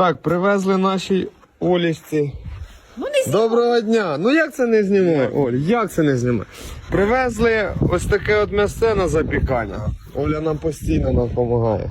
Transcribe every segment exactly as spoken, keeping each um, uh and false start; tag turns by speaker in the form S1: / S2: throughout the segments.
S1: Так, привезли нашій Олічці.
S2: Ну не знімай.
S1: Доброго дня! Ну як це не знімає, Оль? Як це не знімає? Привезли ось таке от м'ясце на запікання. Оля нам постійно нам допомагає.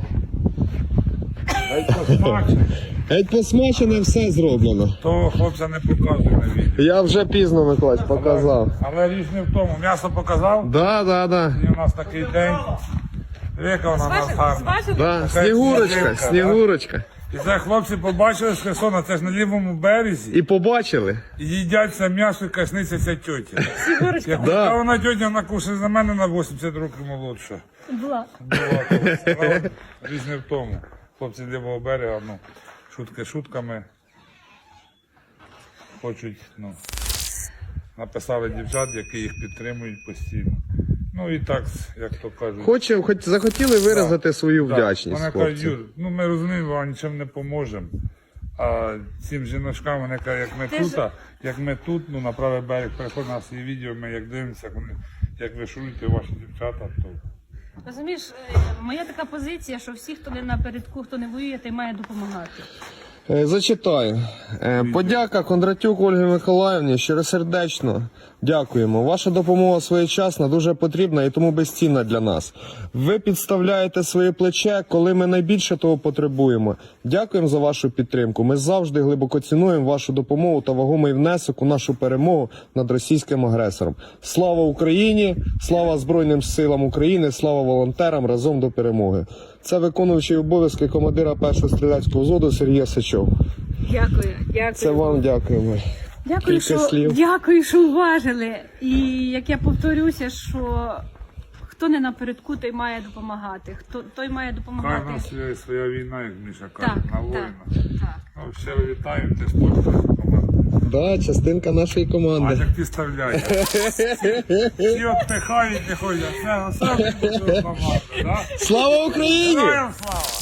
S1: Геть посмачене, все зроблено.
S3: Того хлопця не показує на відео.
S1: Я вже пізно, Миколаївич, показав.
S3: Але річ не в тому. М'ясо показав,
S1: Да, да, да.
S3: і у нас такий день. Яка вона нас гарна.
S1: Да. Снігурочка, Снігурочка.
S3: І це хлопці побачили з Херсона, це ж на лівому березі.
S1: І побачили?
S3: І їдять це м'ясо і кашницяться тьоті. Як
S1: Да.
S3: да. Вона тьотя накушає за мене на вісімдесят років молодша.
S2: Була.
S3: Була, то справа, річ не в тому. Хлопці з лівого берега, ну, шутки шутками. Хочуть, ну, написали дівчат, які їх підтримують постійно. Ну і так, як то кажуть.
S1: Хоче, хоч захотіли виразити свою
S3: Так,
S1: вдячність.
S3: Вони кажуть,
S1: Хлопці.
S3: Юр, ну ми розуміємо, а нічим не поможемо. А цим жіночкам, вони кажуть, як ми
S2: Ти
S3: тут,
S2: ж-
S3: а, як ми тут, ну на правий берег приходять на свої відео, ми як дивимося, як вони, як ви шуруєте ваші дівчата, то
S2: Розумієш, е, моя така позиція, що всі, хто не напередку, хто не воює, той має допомагати.
S1: Е, Зачитаю. Е, Подяка Кондратюк Ольгі Миколаївні, щиросердечно дякуємо. Ваша допомога своєчасна, дуже потрібна і тому безцінна для нас. Ви підставляєте своє плече, коли ми найбільше того потребуємо. Дякуємо за вашу підтримку. Ми завжди глибоко цінуємо вашу допомогу та вагомий внесок у нашу перемогу над російським агресором. Слава Україні! Слава Збройним силам України! Слава волонтерам! Разом до перемоги! Це виконуючий обов'язки командира першого стрілецького взводу Сергія Сичов.
S2: Дякую, дякую.
S1: Це вам дякуємо.
S2: Дякую,
S1: кілька
S2: що,
S1: слів.
S2: дякую, що уважили. І як я повторюся, що хто не напередку, той має допомагати. Хто той має
S3: хай
S2: допомагати.
S3: в нас є своя війна, як Міша каже,
S2: Так,
S3: на
S2: так,
S3: воїна.
S2: так.
S3: Ну, щиро вітаю, ти спортсмен команди.
S1: Да, частинка нашої
S3: А
S1: команди.
S3: як ти стріляєш? Всі отпихають, не ходять. Це все команда, так?
S1: Слава Україні!
S3: Героям слава!